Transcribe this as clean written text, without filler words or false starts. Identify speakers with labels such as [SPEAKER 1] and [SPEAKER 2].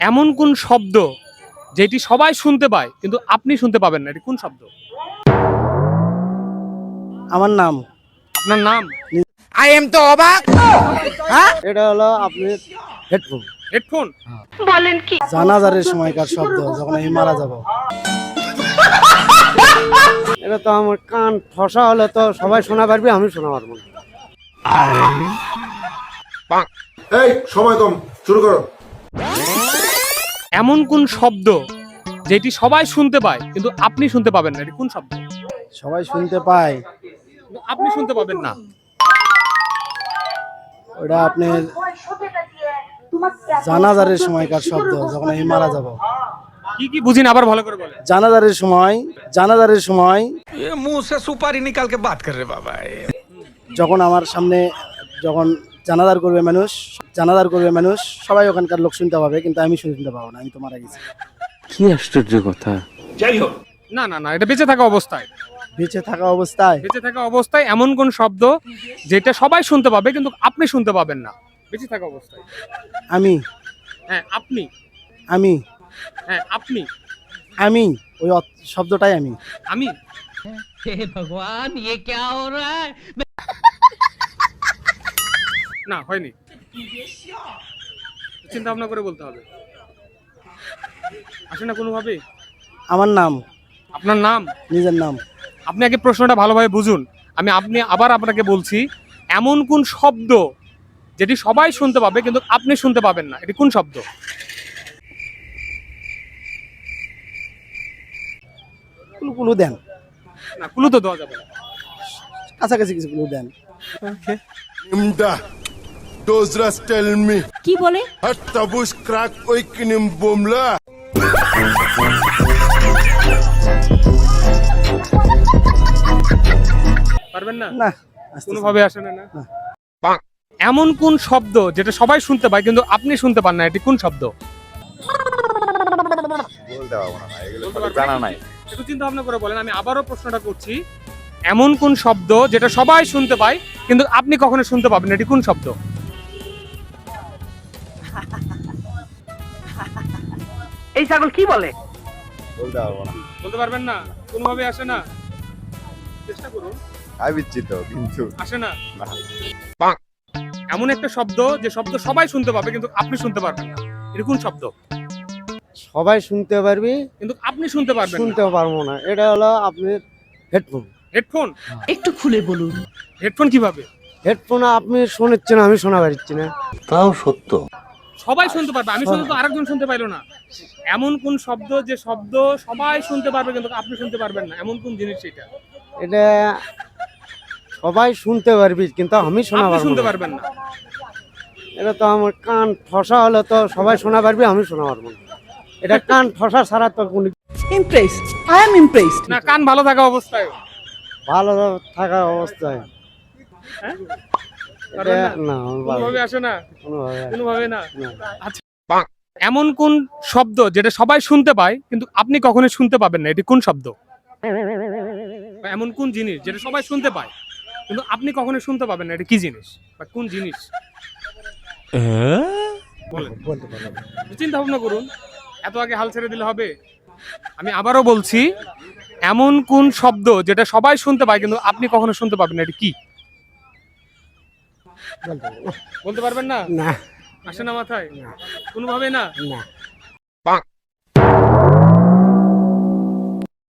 [SPEAKER 1] এমন কোন শব্দ যেটি সবাই শুনতে পায় কিন্তু আপনি শুনতে পাবেন না, এটি কোন শব্দ?
[SPEAKER 2] আমার নাম
[SPEAKER 1] আপনার নাম?
[SPEAKER 3] আই এম তো অবাক।
[SPEAKER 2] এটা হলো আপনার হেডফোন।
[SPEAKER 1] হেডফোন?
[SPEAKER 2] জানাজারের সময়কার শব্দ যখন আমি মারা যাব। এটা তো আমার কান ঠসা হলে তো সবাই শোনা পারবে, আমি শোনা পারবো না।
[SPEAKER 4] এই সময় কম, শুরু করো।
[SPEAKER 1] এমন কোন শব্দ যেটি সবাই শুনতে পায় কিন্তু আপনি শুনতে পাবেন না, এটি কোন শব্দ?
[SPEAKER 2] সবাই শুনতে পায়,
[SPEAKER 1] কিন্তু আপনি শুনতে পাবেন না।
[SPEAKER 2] ওটা আপনার জানাজারের সময়কার শব্দ যখন আমি মারা যাব।
[SPEAKER 1] কি কি বুঝিন, আবার ভালো করে বলেন।
[SPEAKER 2] জানাজারের সময়
[SPEAKER 3] ये मुंह से सुपारी निकाल के बात कर रहे बाबा।
[SPEAKER 2] যখন আমার সামনে যখন জানাজার করবে মানুষ সবাই ওখানকার লোক শুনতে পাবে, কিন্তু আমি শুনতে পাবো না, আমি তো মারা গেছি।
[SPEAKER 5] কি আশ্চর্য কথা।
[SPEAKER 1] না না না, এটা বেঁচে থাকা অবস্থায়।
[SPEAKER 2] বেঁচে থাকা অবস্থায়
[SPEAKER 1] এমন কোন শব্দ যেটা সবাই শুনতে পাবে কিন্তু আপনি শুনতে পাবেন না, বেঁচে থাকা অবস্থায়।
[SPEAKER 2] আমি
[SPEAKER 1] হ্যাঁ আপনি।
[SPEAKER 2] আমি
[SPEAKER 1] হ্যাঁ আপনি।
[SPEAKER 2] আমি ওই শব্দটাই আমি।
[SPEAKER 1] আমি?
[SPEAKER 6] हे भगवान ये क्या हो रहा है।
[SPEAKER 1] না, হয়নি। চিন্তা ভাবনা করে বলতে হবে। আসে না কোনোভাবে।
[SPEAKER 2] আমার নাম,
[SPEAKER 1] আপনার নাম?
[SPEAKER 2] নিজের নাম।
[SPEAKER 1] আপনি আগে প্রশ্নটা ভালোভাবে বুঝুন। আপনি আবার আপনাকে বলছি, এমন কোন শব্দ যেটি সবাই শুনতে পাবে কিন্তু আপনি শুনতে পাবেন না, এটি কোন শব্দ?
[SPEAKER 2] কুলু দেন,
[SPEAKER 1] না, ক্লু তো দেওয়া যাবে না।
[SPEAKER 2] কাছাকাছি কিছু কুলু দেন।
[SPEAKER 4] Nimda. Dozras tell me.
[SPEAKER 7] কি বলে?
[SPEAKER 4] Hat tabush crack oikinim bomla.
[SPEAKER 1] পারবেন না?
[SPEAKER 2] না,
[SPEAKER 1] কোনোভাবে আসে না। না। এমন কোন শব্দ যেটা সবাই শুনতে পায় কিন্তু আপনি শুনতে পান না, এটি কোন শব্দ?
[SPEAKER 5] জানা নাই।
[SPEAKER 1] একটু চিন্তা ভাবনা করে বলেন। আমি আবারও প্রশ্নটা করছি, এমন কোন শব্দ যেটা সবাই শুনতে পায় কিন্তু আপনি কখনো শুনতে পাবেন না, এটি কোন শব্দ?
[SPEAKER 6] এই ছাগল কি বলে?
[SPEAKER 1] বলতে পারবেন না? কোনোভাবে আসে না? চেষ্টা করুন।
[SPEAKER 4] কিন্তু
[SPEAKER 1] আসে না? এমন একটা শব্দ যে শব্দ সবাই শুনতে পাবে কিন্তু আপনি শুনতে পারবেন না, এটি কোন শব্দ?
[SPEAKER 2] সবাই শুনতে পারবি
[SPEAKER 1] কিন্তু আপনি শুনতে পারবেন না।
[SPEAKER 2] শুনতে পারবো না। এটা হলো আপনার হেডফোন।
[SPEAKER 1] হেডফোন?
[SPEAKER 7] একটু খুলে বলুন।
[SPEAKER 1] হেডফোন কিভাবে?
[SPEAKER 2] হেডফোন আপনি শোনাচ্ছেন, আমি শোনা পাচ্ছি না।
[SPEAKER 5] তাও সত্য।
[SPEAKER 1] সবাই শুনতে পারবে, আমি শুনতে তো আরেকজন শুনতে পাইলো না। এমন কোন শব্দ যে শব্দ সবাই শুনতে পারবে কিন্তু আপনি শুনতে পারবেন না, এমন কোন জিনিস এটা?
[SPEAKER 2] এটা সবাই শুনতে পারবি কিন্তু আমি শোনা
[SPEAKER 1] আপনি
[SPEAKER 2] পারবো
[SPEAKER 1] শুনতে
[SPEAKER 2] না।
[SPEAKER 1] পারবেন না।
[SPEAKER 2] এটা তো আমার কান ঠসা হলে তো সবাই শোনা পারবে, আমি শোনা পারবো না। এটা কান ঠসা ছাড়া তো কোনো
[SPEAKER 7] ইমপ্রেসড, আই এম ইমপ্রেসড।
[SPEAKER 1] না, কান ভালো থাকা অবস্থায়।
[SPEAKER 2] ভালো থাকা অবস্থায়
[SPEAKER 1] হ্যাঁ?
[SPEAKER 2] এটা
[SPEAKER 1] পারবেন না?
[SPEAKER 2] না, আমি পারবো
[SPEAKER 1] কোনোভাবে
[SPEAKER 2] না।
[SPEAKER 1] আসে না?
[SPEAKER 2] কোনোভাবে
[SPEAKER 1] কোনোভাবে না?
[SPEAKER 2] না।
[SPEAKER 1] আচ্ছা, এমন কোন শব্দ যেটা সবাই শুনতে পায় কিন্তু আপনি কখনো শুনতে পাবেন না, এটি কোন শব্দ? বা এমন কোন জিনিস যেটা সবাই শুনতে পায় কিন্তু আপনি কখনো শুনতে পাবেন না, এটি কি জিনিস বা কোন জিনিস? বলেন।
[SPEAKER 2] বলতে পারবো না।
[SPEAKER 1] চিন্তা ভাবনা করুন, এত আগে হাল ছেড়ে দিলে হবে? আমি আবারও বলছি, এমন কোন শব্দ যেটা সবাই শুনতে পায় কিন্তু আপনি কখনো শুনতে পাবেন না, এটি কি?
[SPEAKER 2] বলতে পারবো না।
[SPEAKER 1] বলতে পারবেন না?
[SPEAKER 2] না,
[SPEAKER 1] আসে না মাথায়? কোনোভাবে না?
[SPEAKER 2] না।